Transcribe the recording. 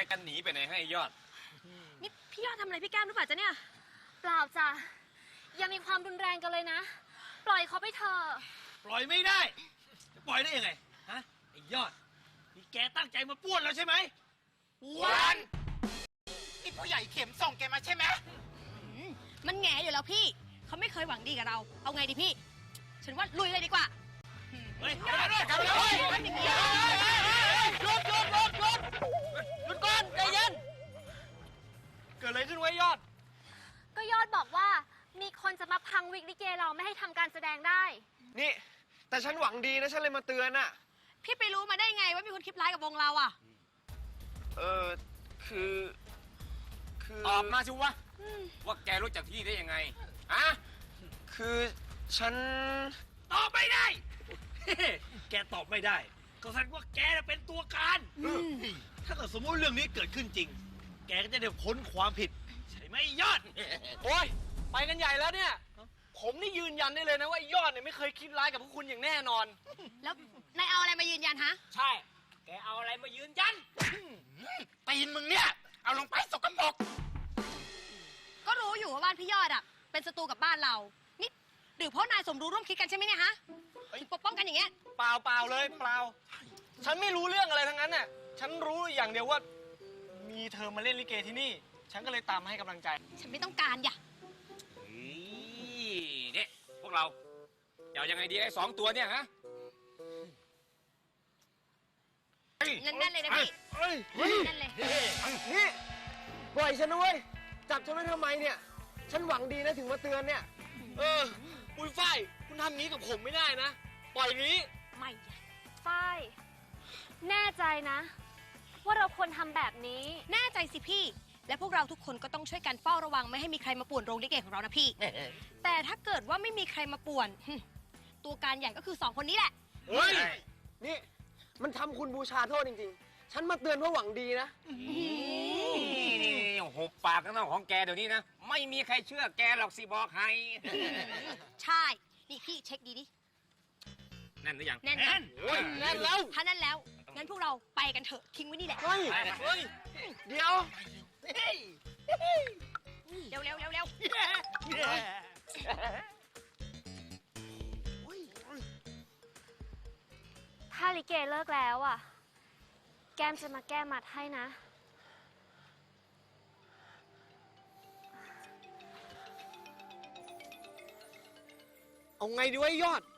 กันหนีไปไหนให้ยอดนี่พี่ยอดทำอะไรพี่แก้มหรือเปล่าจ๊ะเนี่ยเปล่าจ้ะยังมีความรุนแรงกันเลยนะปล่อยเขาไปเถอะปล่อยไม่ได้จะปล่อยได้ยังไงฮะไอ้ยอดนี่แกตั้งใจมาป้วนเราใช่ไหมวันนี่ผู้ใหญ่เข็มส่งแกมาใช่ไหมมันแง่อยู่แล้วพี่เขาไม่เคยหวังดีกับเราเอาไงดีพี่ฉันว่าลุยเลยดีกว่าเฮ้ยกลับมาด้วยหยุดก่อนใจเย็นเกิดอะไรขึ้นไว้ยอดก็ยอดบอกว่ามีคนจะมาพังวิกลิเกเราไม่ให้ทำการแสดงได้นี่แต่ฉันหวังดีนะฉันเลยมาเตือนน่ะพี่ไปรู้มาได้ไงว่ามีคนคิดร้ายกับวงเราอ่ะคือตอบมาสิวะว่าแกรู้จักที่นี่ได้ยังไงอะคือฉันตอบไม่ได้ แกตอบไม่ได้ก็แสดงว่าแกเป็นตัวการถ้าเกิดสมมติเรื่องนี้เกิดขึ้นจริงแกก็จะได้พ้นความผิดใช่ไหมยอดโอ้ยไปกันใหญ่แล้วเนี่ยผมนี่ยืนยันได้เลยนะว่ายอดเนี่ยไม่เคยคิดร้ายกับพวกคุณอย่างแน่นอนแล้วนายเอาอะไรมายืนยันฮะใช่แกเอาอะไรมายืนยันตีนมึงเนี่ยเอาลงไปสกปรกก็รู้อยู่ว่าบ้านพี่ยอดอ่ะเป็นศัตรูกับบ้านเรานี่หรือเพราะนายสมรู้ร่วมคิดกันใช่ไหมเนี่ยฮะถึงปกป้องกันอย่างเงี้ยเปล่าเลยเปล่าฉันไม่รู้เรื่องอะไรทั้งนั้นน่ะฉันรู้อย่างเดียวว่ามีเธอมาเล่นลิเกที่นี่ฉันก็เลยตามมาให้กำลังใจฉันไม่ต้องการอย่านี่พวกเราจะเอายังไงดีไอ้2 ตัวเนี่ยฮะนั่นเลยนะพี่นั่นเลยนี่ปล่อยฉันนะเว้ยจับฉันไว้ทำไมเนี่ยฉันหวังดีนะถึงมาเตือนเนี่ยปุ้ยฝ้ายคุณทำงี้กับผมไม่ได้นะปล่อยนี้ไม่ฝ้ายแน่ใจนะว่าเราควรทำแบบนี้แน่ใจสิพี่และพวกเราทุกคนก็ต้องช่วยกันเฝ้าระวังไม่ให้มีใครมาป่วนโรงลิเกของเรานะพี่แต่ถ้าเกิดว่าไม่มีใครมาป่วนตัวการใหญ่ก็คือ2 คนนี้แหละเฮ้ยนี่มันทำคุณบูชาโทษจริงๆฉันมาเตือนเพราะหวังดีนะนี่หุบปากกันของแกเดี๋ยวนี้นะไม่มีใครเชื่อแกหรอกสิบอกให้ใช่นี่พี่เช็คดีดิแน่นหรือยังแน่นแล้วถ้าแน่นแล้วงั้นพวกเราไปกันเถอะทิ้งไว้นี่แหละเฮ้ยเดี๋ยวเร็วถ้าลิเกเลิกแล้วอ่ะแก้มจะมาแก้มัดให้นะเอาไงดีวะยอด